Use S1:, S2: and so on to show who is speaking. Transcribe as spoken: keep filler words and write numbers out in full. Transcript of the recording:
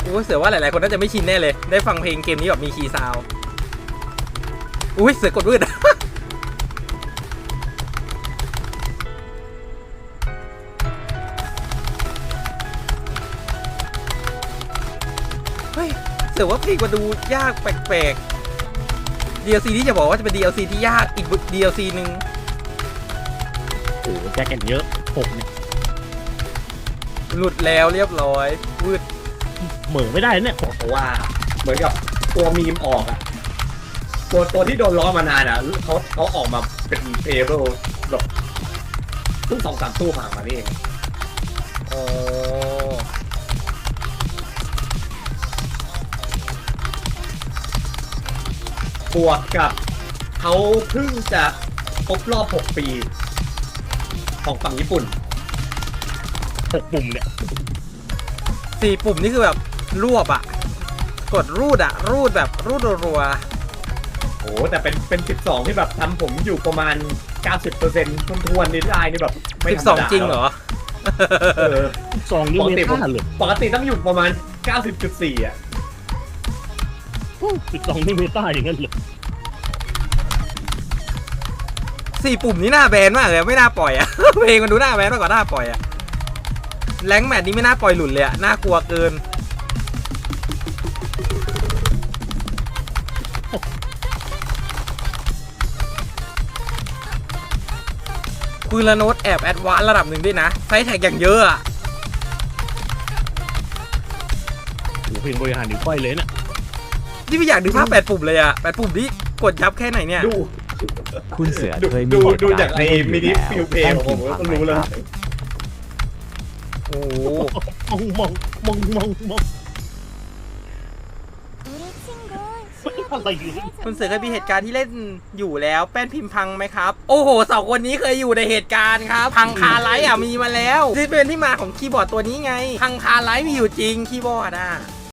S1: อุ้ยเสือว่าหลายๆคนน่าจะไม่ชินแน่เลยได้ฟังเพลงเกมนี้แบบมีคีย์ซาวด์อุ้ยเสือกดวืด เฮ้ยเสือว่าเพลงมันดูยากแปลกๆ ดี แอล ซี ที่จะบอกว่าจะเป็น ดี แอล ซี ที่ยากอีก ดี แอล ซี หนึ่ง
S2: โอ้โหแจ็คกันเยอะผมเนี่ย
S1: หลุดแล้วเรียบร้อยวืด
S2: เหมือไม่ได้เนี่ย
S3: เพราะว่าเหมือนกับตัวมีมออกอะตัวตัวที่โดนล้อมานานอะเขาเขาออกมาเป็นเพลเบิลแบบเพิ่งสองสามตู้ผ่านมานี่เอง
S1: อ๋อ
S3: บวกกับเขาเพิ่งจะครบรอบหกปี ของฝั่งญี่ปุ่น
S2: หกปุ่มเนี่ย
S1: สี่ปุ่มนี่คือแบบรวบอะกดรูดอะรูดแบบรูดรัว
S3: โอ้แต่เป็นเป็นสิบสองที่แบบทำผมอยู่ประมาณ เก้าสิบเปอร์เซ็นต์ทวนทวนนี่ได้นี่แบบ
S1: ๆ
S3: ไม่
S1: สิบ
S3: ธ
S1: ส
S3: ร
S1: อง
S3: รมดา
S1: จริงเหรอ
S3: เออ
S2: ซองนี่
S3: ปก
S2: เม
S3: ติผม
S2: ตาเลย
S3: ปกติต้องอยู่ประมาณ เก้าสิบจุดสี่ อ่ะ
S2: สิบสองนี่เมตาอย่างนั้นเลย
S1: สี่ปุ่มนี่น่าแบนมากเลยไม่น่าปล่อยอะ เพลงมันดูน่าแบนมากกว่าน่าปล่อยอะแรงค์แมทนี้ไม่น่าปล่อยหลุดเลยอะน่ากลัวเกิน ปืนละโน้ตแอบแอดวานซ์ระดับหนึ่งด้วยนะไซส์แท็กอย่างเยอะอะ
S2: โอ้โหเพลงบริหารนิ้วก้อยเลยเนี่ย
S1: นี่ไม่อยากดูภาพแปดปุ่มเลยอะแปดปุ่มนี้กดยับแค่ไหนเนี่ย
S3: ดู
S4: คุณเสือ
S3: ดู
S4: เคยมี
S3: ดู
S4: เหตุ
S3: ดู
S4: การณ์
S3: จากไอ้
S4: ที่
S3: มินิ
S4: แล้ว
S3: ฟิลเพลงผมก็รู้แล้ว
S1: โอ้โห
S2: มองมองมองมองมองอะไรอยู่เนี่ย
S1: คุณเสือเคยมีเหตุการณ์ที่เล่นอยู่แล้วแป้นพิมพ์พังไหมครับ โอ้โหสองคนนี้เคยอยู่ในเหตุการณ์ครับพังคาไลท์อ่ะมีมาแล้วที่เป็นที่มาของคีย์บอร์ดตัวนี้ไงพังคาไลท์มีอยู่จริงคีย์บอร์ดอ่ะ